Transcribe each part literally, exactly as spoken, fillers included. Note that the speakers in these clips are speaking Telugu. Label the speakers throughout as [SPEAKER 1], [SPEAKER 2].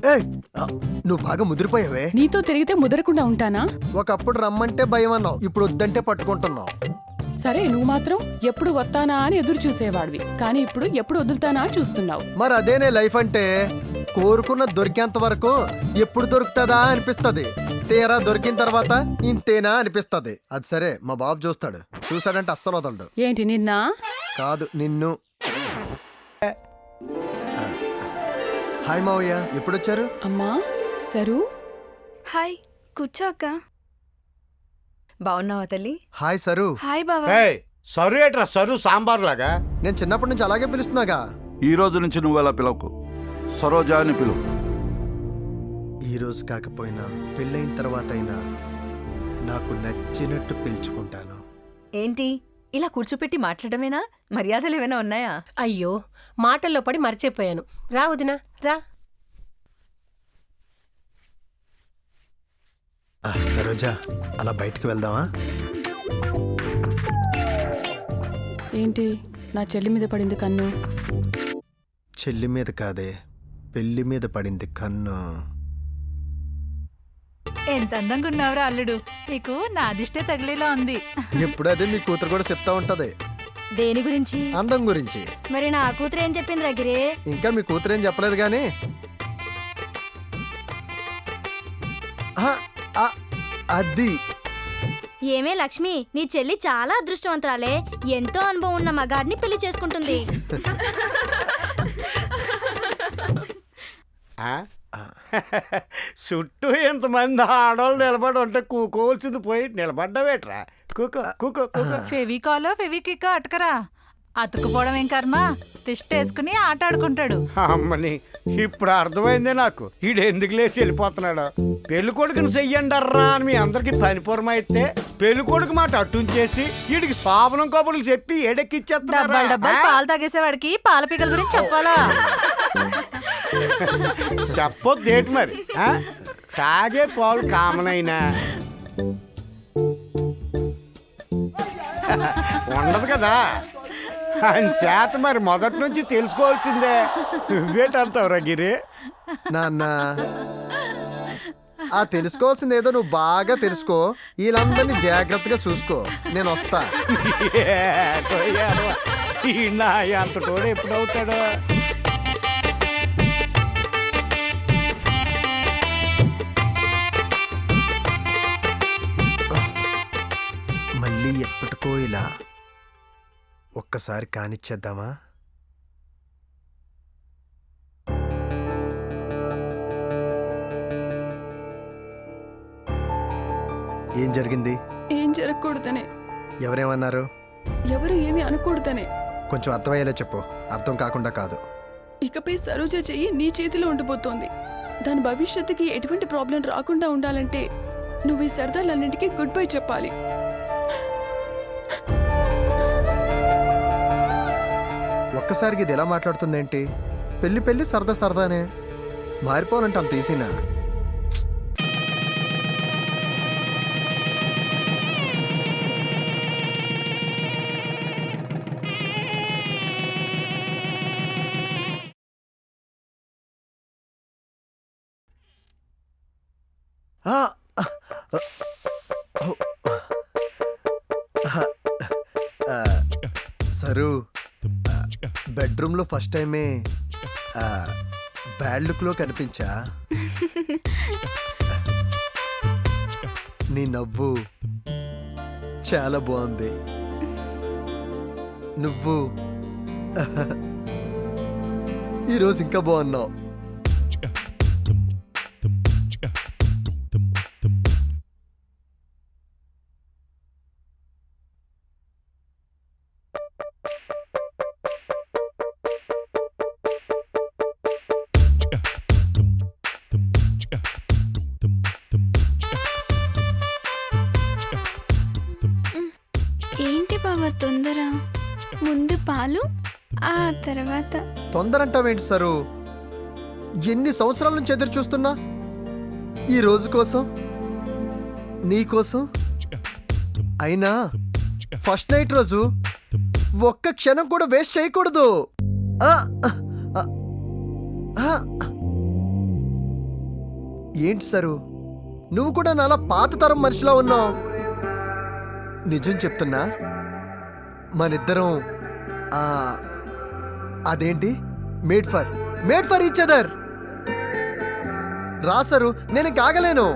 [SPEAKER 1] ఏయ్, ఆ, నువ్వు బాగా ముదిరిపోయావే.
[SPEAKER 2] నీతో తిరిగితే ముదరకుండా ఉంటానా?
[SPEAKER 1] ఒకప్పుడు రమ్మంటే భయం అన్నావు, ఇప్పుడు వద్దంటే పట్టుకుంటున్నావు.
[SPEAKER 2] సరే, నువ్వు మాత్రం ఎప్పుడు వస్తానా అని ఎదురు చూసేవాడివి, కానీ ఇప్పుడు ఎప్పుడు వదులుతానా చూస్తున్నావు.
[SPEAKER 1] మరి అదేనే లైఫ్ అంటే, కోరుకున్న దొరికేంత వరకు ఎప్పుడు దొరుకుతుందా అనిపిస్తది, తీరా దొరికిన తర్వాత ఇంతేనా అనిపిస్తది. అది సరే, మా బాబు చూస్తాడు, చూసాడంటే అస్సలు వదలడు.
[SPEAKER 2] ఏంటి నిన్న?
[SPEAKER 1] కాదు, నిన్ను. హాయ్ మావయ్య, ఎప్పుడొచ్చారు?
[SPEAKER 2] అమ్మా సరు.
[SPEAKER 3] హాయ్, కూర్చో అక్క.
[SPEAKER 4] బాగున్నావా తల్లి?
[SPEAKER 1] Hi sir.
[SPEAKER 3] హాయ్ బావా.
[SPEAKER 5] ఏయ్, సరు ఏట్రా సరు సాంబార్ లాగా?
[SPEAKER 1] నేను చిన్నప్పటి నుంచి అలాగే పిలుస్తున్నాగా.
[SPEAKER 6] ఈ రోజు నుంచి నువ్వు అలా పిలవకు, సరోజా అని పిలువు.
[SPEAKER 1] ఈ రోజు కాకపోయినా పెళ్ళైన తర్వాత అయినా నాకు నచ్చినట్టు పిలుచుకుంటాను.
[SPEAKER 4] ఏంటి ఇలా కూర్చోపెట్టి మాట్లాడమేనా? మర్యాదలు ఏమైనా ఉన్నాయా?
[SPEAKER 7] అయ్యో, మాటల్లో పడి మర్చిపోయాను. రా వదినా, రా.
[SPEAKER 1] ఆ, సరోజా, అలా బయటికి వెళ్దామా?
[SPEAKER 2] ఏంటి నా చెల్లి మీద పడింది కన్ను?
[SPEAKER 1] చెల్లి మీద కాదే, పెళ్లి మీద పడింది కన్ను.
[SPEAKER 8] ఎంత అందంగా ఉన్నావురా అల్లుడు, నీకు నా దిష్టే తగిలేలా ఉంది.
[SPEAKER 1] ఎప్పుడు అదే మీ కూతురు కూడా చెప్తా ఉంటది.
[SPEAKER 3] దేని గురించి?
[SPEAKER 1] అందం గురించి.
[SPEAKER 3] మరి నా కూతురు ఏం చెప్పింది రగిరే?
[SPEAKER 1] ఇంకా మీ కూతురు ఏం చెప్పలేదు గాని. ఆ, ఆ, అది
[SPEAKER 3] ఏమే లక్ష్మి, నీ చెల్లి చాలా అదృష్టవంతురాలే. ఎంతో అనుభవం ఉన్న మగాడిని పెళ్లి చేసుకుంటుంది.
[SPEAKER 5] చుట్టూ ఎంతమంది ఆడవాళ్ళు నిలబడి ఉంటే కూకోవాల్సింది పోయి నిలబడ్డావేట్రా? కూకో కూకో కూకో.
[SPEAKER 8] ఫెవికాలో ఫెవికిక్ అటకరా, అతుకుపోవడం ఏం కర్మ, తిష్టేసుకుని ఆట ఆడుకుంటాడు.
[SPEAKER 5] అమ్మని, ఇప్పుడు అర్థమైందే నాకు, ఈడు ఎందుకు లేచి వెళ్ళిపోతున్నాడు. పెళ్లి కొడుకుని చెయ్యండర్రా అని మీ అందరికి పనిపూరం అయితే, పెళ్లి కొడుకు మాట అట్టుంచేసి వీడికి శోభనం కబుర్లు చెప్పి
[SPEAKER 8] డబ్బాలు
[SPEAKER 5] ఎడెక్కిచ్చేస్తున్నారు.
[SPEAKER 8] డబ్బాలు పాలు తాగేసేవాడికి పాల పీకల గురించి చెప్పాలా?
[SPEAKER 5] చెప్పొద్దు ఏంటి మరి? ఆ? తాగే పాలు కామన్ అయినా ఉండదు కదా, అని చేత మరి మొదటి నుంచి తెలుసుకోవాల్సిందే. నువ్వేటంటావురా గిరి?
[SPEAKER 1] నాన్న, ఆ తెలుసుకోవాల్సింది ఏదో నువ్వు బాగా తెలుసుకో, వీళ్ళందరినీ జాగ్రత్తగా చూసుకో. నేను వస్తా.
[SPEAKER 5] ఈ నా అంత తోడు ఎప్పుడవుతాడు?
[SPEAKER 1] మళ్ళీ ఎప్పటికో ఇలా ఒక్కసారి కానిచ్చేద్దామా? ఏం జరిగింది?
[SPEAKER 2] ఏం జరగకూడదనే.
[SPEAKER 1] ఎవరేమన్నారు?
[SPEAKER 2] ఎవరు ఏమి అనకూడదనే.
[SPEAKER 1] కొంచెం అర్థమయ్యేలా చెప్పు, అర్థం కాకుండా కాదు.
[SPEAKER 2] ఇకపై సరోజ చెయ్యి నీ చేతిలో ఉండిపోతోంది. దాని భవిష్యత్తుకి ఎటువంటి ప్రాబ్లం రాకుండా ఉండాలంటే నువ్వు ఈ సరదాలన్నింటికీ గుడ్ బై చెప్పాలి.
[SPEAKER 1] ఒక్కసారికి ఇది ఎలా మాట్లాడుతుందేంటి? పెళ్లి పెళ్లి సరదా సరదానే, మారిపోవాలంటే అంత ఈజీనా? ఆ, ఆ, సరు, బెడ్రూమ్లో ఫస్ట్ టైమే బ్యాడ్ లుక్లో కనిపించా. నీ నవ్వు చాలా బాగుంది. నువ్వు ఈరోజు ఇంకా బాగున్నావు.
[SPEAKER 3] ఏంటి బావా తొందర? ముందు పాలు, ఆ తర్వాత.
[SPEAKER 1] తొందర అంటావేంటి సరు? ఎన్ని సంవత్సరాల నుంచి ఎదురు చూస్తున్నా ఈ రోజు కోసం, నీ కోసం. అయినా ఫస్ట్ నైట్ రోజు ఒక్క క్షణం కూడా వేస్ట్ చేయకూడదు. ఆ, ఆ, ఆ, ఏంటి సరు నువ్వు కూడా నాలా పాత తరం మనిషిలా ఉన్నావు. నిజం చెప్తున్నా, మనిద్దరం ఆ, అదేంటి made for made for each other. రా సరు, నేను కాగలేను.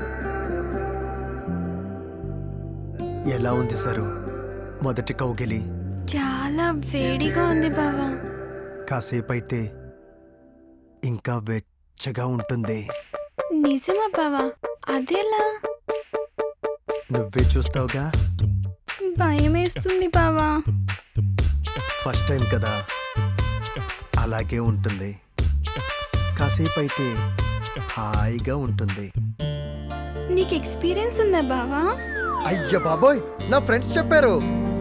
[SPEAKER 1] ఎలా ఉంది సరు మొదటి కౌగిలి?
[SPEAKER 2] చాలా వేడిగా ఉంది బావా.
[SPEAKER 1] కాసేపు అయితే ఇంకా వెచ్చగా ఉంటుంది.
[SPEAKER 2] నిజమా బావా? అదేలా?
[SPEAKER 1] నువ్వే చూస్తావుగా.
[SPEAKER 2] భయం వేస్తుంది బావా.
[SPEAKER 1] ఫస్ట్ టైం కదా, అలాగే ఉంటుంది. కాసేపు అయితే హాయిగా ఉంటుంది.
[SPEAKER 2] నీకు ఎక్స్పీరియన్స్ ఉందా బావా?
[SPEAKER 1] అయ్య బాబోయ్, నా ఫ్రెండ్స్ చెప్పారు.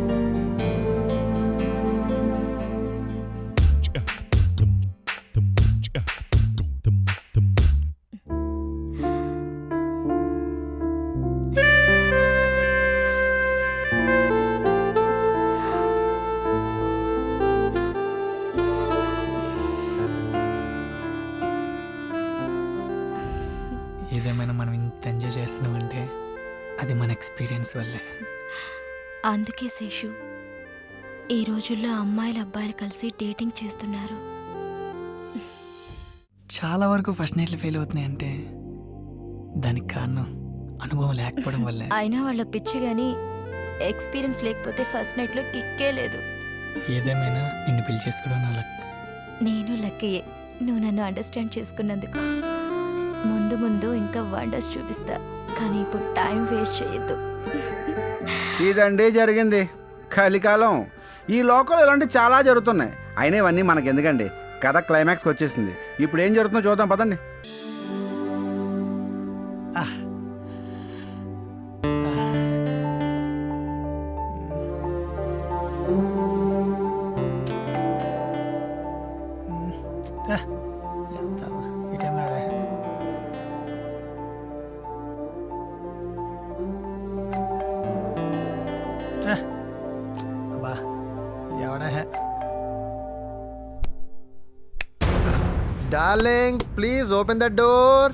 [SPEAKER 9] ఏదేమైనా మనం ఇంత ఎంజాయ్ చేస్తున్నామంటే అది మన ఎక్స్పీరియన్స్ వల్లే.
[SPEAKER 3] అందుకే శేషు, ఈ రోజుల్లో అమ్మాయిలు అబ్బాయిలు కలిసి డేటింగ్ చేస్తున్నారు.
[SPEAKER 9] చాలా వరకు ఫస్ట్ నైట్లు ఫెయిల్ అవుతున్నాయంటే దానికి కారణం అనుభవం లేకపోవడం వల్లే.
[SPEAKER 3] అయినా వాళ్ళ పిచ్చి గాని ఎక్స్పీరియన్స్ లేకపోతే ఫస్ట్ నైట్లో కిక్కే లేదు.
[SPEAKER 9] ఏదేమైనా నిన్ను పెళ్లి చేసుకోవడం నా లక్.
[SPEAKER 3] నేను లక్కయే, నువ్వు నన్ను అండర్స్టాండ్ చేసుకున్నందుకు. ముందు ముందు ఇంకా వండర్స్ చూపిస్తా, కానీ ఇప్పుడు టైం వేస్ట్ చేయొద్దు.
[SPEAKER 10] ఇదండి జరిగింది కలికాలం. ఈ లోకంలో ఇలాంటివి చాలా జరుగుతున్నాయి. అయినా ఇవన్నీ మనకెందుకండి, కథ క్లైమాక్స్కి వచ్చేసింది. ఇప్పుడు ఏం జరుగుతుందో చూద్దాం పదండి.
[SPEAKER 1] Darling, please open the door.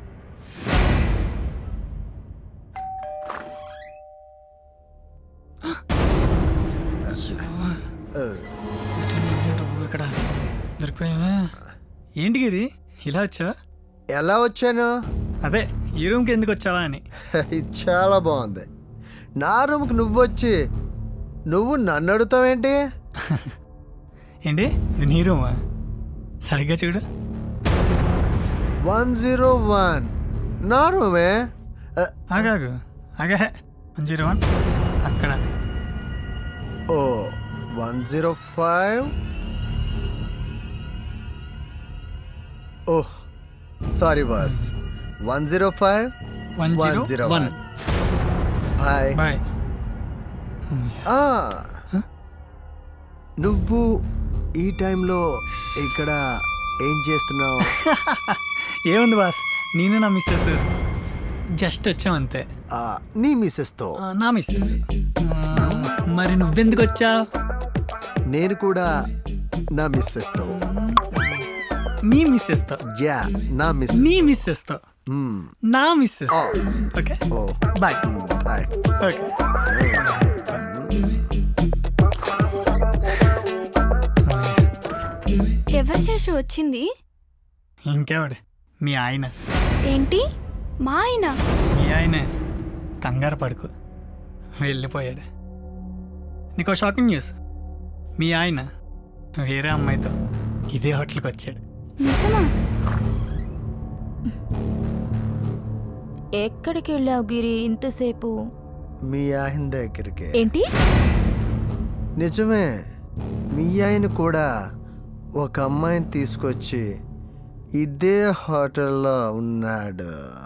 [SPEAKER 9] ఇక్కడ దొరికిపోయావా? ఏంటి గిరి ఇలా వచ్చా?
[SPEAKER 1] ఎలా వచ్చాను?
[SPEAKER 9] అదే ఈ రూమ్కి ఎందుకు వచ్చావా అని.
[SPEAKER 1] ఇది చాలా బాగుంది. నా రూమ్కి నువ్వు వచ్చి నువ్వు నన్ను అడుగుతావేంటి?
[SPEAKER 9] ఏంటి ఇది నీ రూమా? సరిగ్గా చూడు.
[SPEAKER 1] వన్ జీరో వన్ నా రూమే.
[SPEAKER 9] ఆగాగు ఆగా వన్ జీరో వన్ అక్కడ.
[SPEAKER 1] Oh one zero five. Oh sorry boss. One zero five
[SPEAKER 9] one
[SPEAKER 1] one
[SPEAKER 9] zero
[SPEAKER 1] zero
[SPEAKER 9] one.
[SPEAKER 1] One. Bye
[SPEAKER 9] bye.
[SPEAKER 1] నువ్వు ఈ టైంలో ఇక్కడ ఏం చేస్తున్నావు?
[SPEAKER 9] ఏముంది బాస్, నేను నా మిస్సెస్ జస్ట్ వచ్చాం అంతే.
[SPEAKER 1] ఆ, నీ మిస్సెస్తో.
[SPEAKER 9] ఆ, నా మిస్సెస్. ఆ, మరి నువ్వెందుకు వచ్చావు?
[SPEAKER 1] నేను కూడా నా మిస్సెస్తో.
[SPEAKER 9] నీ మిస్సెస్తో?
[SPEAKER 1] యా, నా మిస్సెస్.
[SPEAKER 9] నీ మిస్సెస్తో? నా missus. Okay
[SPEAKER 1] oh
[SPEAKER 9] bye.
[SPEAKER 1] Bye.
[SPEAKER 9] Okay.
[SPEAKER 2] ఎవరు శేషు వచ్చింది?
[SPEAKER 9] ఇంకెవడు? మీ ఆయన.
[SPEAKER 2] ఏంటి మా ఆయన?
[SPEAKER 9] మీ ఆయనే. కంగారు పడుకో, వెళ్ళిపోయాడు. నీకు షాకింగ్ న్యూస్, మీ ఆయన వేరే అమ్మాయితో ఇదే హోటల్కి వచ్చాడు.
[SPEAKER 2] నిజమా?
[SPEAKER 3] ఎక్కడికి వెళ్ళావు గిరి ఇంతసేపు?
[SPEAKER 1] మీ ఆయన దగ్గరికి.
[SPEAKER 3] ఏంటి?
[SPEAKER 1] నిజమే, మీ ఆయన కూడా ఒక అమ్మాయిని తీసుకొచ్చి ఇదే హోటల్లో ఉన్నాడు.